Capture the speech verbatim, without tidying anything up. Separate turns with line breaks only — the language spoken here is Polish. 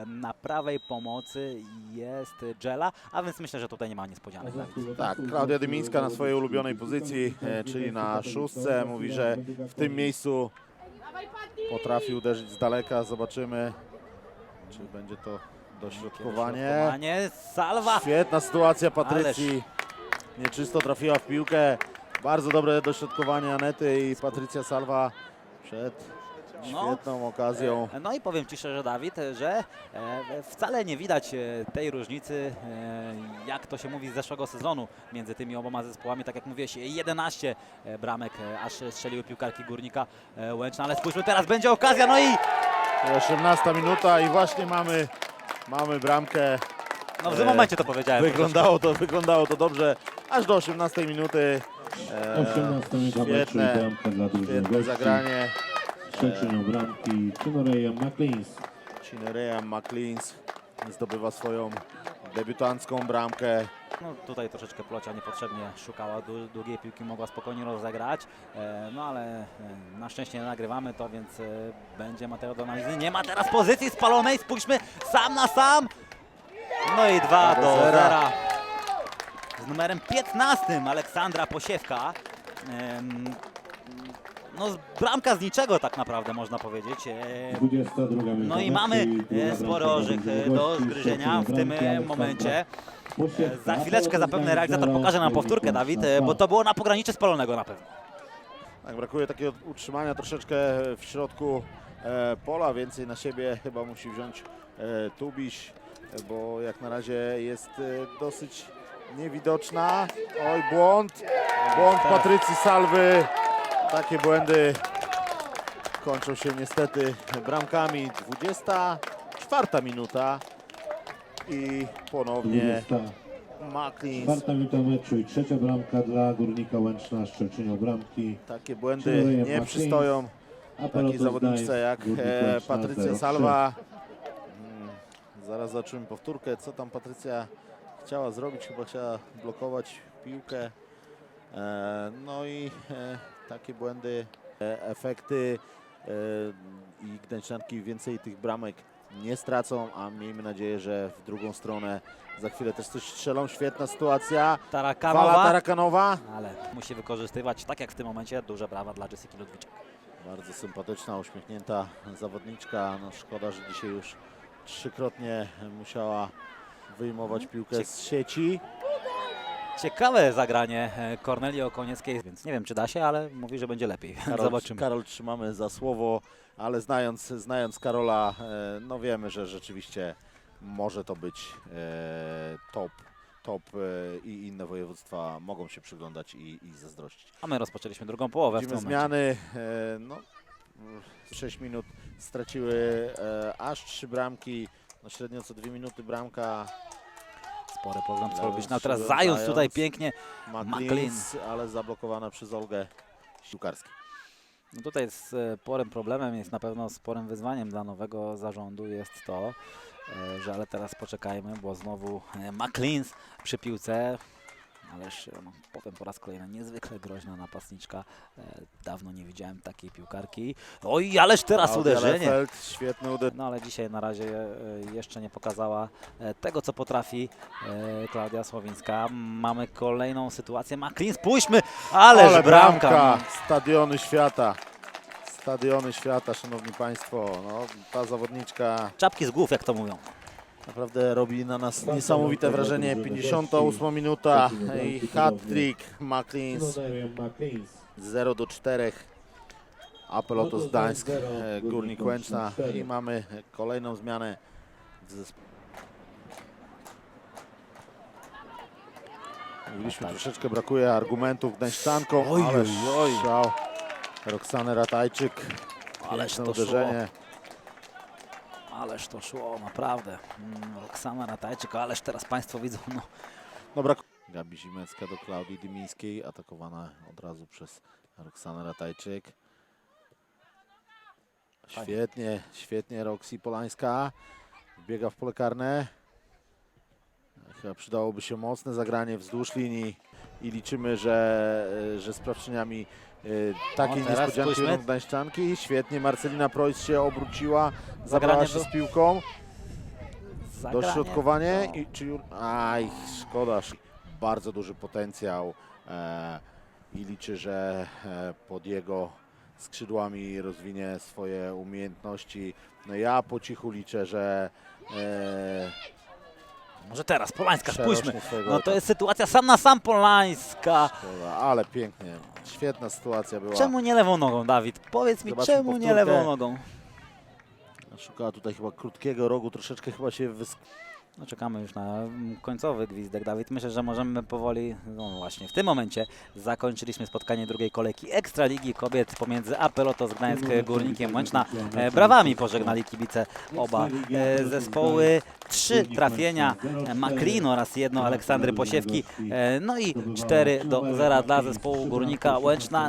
na prawej pomocy jest Dżela, a więc myślę, że tutaj nie ma niespodzianek.
Tak, Klaudia Dymińska na swojej ulubionej pozycji, e, czyli na szóstce. Mówi, że w tym miejscu potrafi uderzyć z daleka. Zobaczymy, czy będzie to dośrodkowanie.
Dośrodkowanie, Salwa!
Świetna sytuacja Patrycji. Nieczysto trafiła w piłkę. Bardzo dobre dośrodkowanie Anety i Patrycja Salwa przed świetną no. okazją.
No i powiem Ci szczerze, Dawid, że e, wcale nie widać e, tej różnicy, e, jak to się mówi, z zeszłego sezonu między tymi oboma zespołami. Tak jak mówiłeś, jedenaście e, bramek e, aż strzeliły piłkarki Górnika e, Łęczna, ale spójrzmy, teraz będzie okazja, no i...
osiemnasta minuta i właśnie mamy, mamy bramkę.
No w tym momencie to powiedziałem.
Wyglądało to, wyglądało to dobrze, aż do osiemnastej minuty. E, świetne, świetne zagranie.
Przeciną bramki Chinerea McLeans.
Chinerea McLeans zdobywa swoją debiutancką bramkę.
No tutaj troszeczkę Plocia niepotrzebnie szukała długiej piłki, mogła spokojnie rozegrać, e, no ale e, na szczęście nie nagrywamy to, więc e, będzie materiał do analizy. Nie ma teraz pozycji spalonej, spójrzmy, sam na sam. No i dwa do zera. Z numerem piętnastym Aleksandra Posiewka. E, No bramka z niczego tak naprawdę można powiedzieć. No i mamy spory orzech do zgryzienia w tym momencie. Za chwileczkę zapewne realizator pokaże nam powtórkę, Dawid, bo to było na pograniczy spalonego na pewno.
Tak, brakuje takiego utrzymania troszeczkę w środku e, pola, więcej na siebie chyba musi wziąć e, Tubiś, bo jak na razie jest e, dosyć niewidoczna. Oj, błąd, błąd Patrycji Salwy. Takie błędy kończą się niestety bramkami. dwudziesta czwarta minuta i ponownie McLeans.
Czwarta minuta meczu i trzecia bramka dla Górnika Łęczna, Szczeciną bramki.
Takie błędy nie przystoją takiej zawodniczce jak e, Patrycja Salwa. Hmm, zaraz zobaczymy powtórkę, co tam Patrycja chciała zrobić. Chyba chciała blokować piłkę. E, no i e, takie błędy, e, efekty e, i Gdańszczanki więcej tych bramek nie stracą, a miejmy nadzieję, że w drugą stronę za chwilę też coś strzelą. Świetna sytuacja.
Tarakanowa.
Fala Tarakanowa.
Ale musi wykorzystywać, tak jak w tym momencie, duże brawa dla Jessiki Ludwiczak.
Bardzo sympatyczna, uśmiechnięta zawodniczka. No, szkoda, że dzisiaj już trzykrotnie musiała wyjmować piłkę z sieci.
Ciekawe zagranie Kornelii Okonieckiej, więc nie wiem, czy da się, ale mówi, że będzie lepiej.
Karol,
Zobaczymy.
Karol trzymamy za słowo, ale znając, znając Karola, no wiemy, że rzeczywiście może to być top, top i inne województwa mogą się przyglądać i, i zazdrościć.
A my rozpoczęliśmy drugą połowę.
Widzimy
w tym
zmiany, no sześć minut straciły aż trzy bramki, no średnio co dwie minuty bramka.
Spory program zrobić. No teraz Zając tutaj pięknie.
McLeans, ale zablokowana przez Olgę Siłkarską.
No tutaj sporym problemem jest na pewno sporym wyzwaniem dla nowego zarządu jest to, że ale teraz poczekajmy, bo znowu McLeans przy piłce. Ależ no, powiem po raz kolejny, niezwykle groźna napastniczka. E, dawno nie widziałem takiej piłkarki. Oj, ależ teraz
Klaudia
uderzenie.
Lefeld, świetne uderzenie.
No ale dzisiaj na razie e, jeszcze nie pokazała e, tego, co potrafi e, Klaudia Słowińska. Mamy kolejną sytuację. McLean, spójrzmy, ależ
Ale
bramka.
bramka. Stadiony świata. Stadiony świata, szanowni państwo. No, ta zawodniczka
Czapki z głów, jak to mówią.
naprawdę robi na nas niesamowite wrażenie. pięćdziesiąta ósma minuta i hat-trick McLeans. zero do czterech. Apelotos Gdańsk, Górnik Łęczna i mamy kolejną zmianę w zespole. Mówiliśmy, troszeczkę brakuje argumentów Gdańszczankom,
Oj,
ale
oj, oj.
strzał Roxany Ratajczyk.
Ależ
Piękne
to
uderzenie.
Ależ to szło, naprawdę. Mm, Roxana Ratajczyk, ależ teraz Państwo widzą, no.
Dobra. Gabi Zimecka do Klaudii Dymińskiej, atakowana od razu przez Roxanę Ratajczyk. Świetnie, świetnie Roxy Polańska. Wbiega w pole karne. Chyba przydałoby się mocne zagranie wzdłuż linii i liczymy, że, że sprawczyniami y, takiej
O, teraz
niespodzianki
spójrzmy.
będą Gdańszczanki. Świetnie Marcelina Preuss się obróciła, zabrała się
był-
z piłką.
Zagranie
Dośrodkowanie
to-
i czy Jur... Aj, szkoda. Bardzo duży potencjał e, i liczy, że e, pod jego skrzydłami rozwinie swoje umiejętności. No ja po cichu liczę, że e,
Może teraz Polańska,
przerośnie
spójrzmy.
swojego
No to
etapu.
jest sytuacja sam na sam Polańska.
Szkoda, ale pięknie. Świetna sytuacja była.
Czemu nie lewą nogą, Dawid? Powiedz mi,
Zobaczmy
czemu nie
powtórkę.
lewą nogą?
Szukała tutaj chyba krótkiego rogu, troszeczkę chyba się wysk...
No, czekamy już na mm, końcowy gwizdek, Dawid. Myślę, że możemy powoli, no właśnie w tym momencie zakończyliśmy spotkanie drugiej kolejki Ekstraligi Kobiet pomiędzy A P Lotos Gdańsk Górnikiem Łęczna. E, Brawami pożegnali kibice oba e, zespoły. Trzy trafienia e, Maklin oraz jedno Aleksandry Posiewki. E, no i cztery do zera dla zespołu Górnika Łęczna.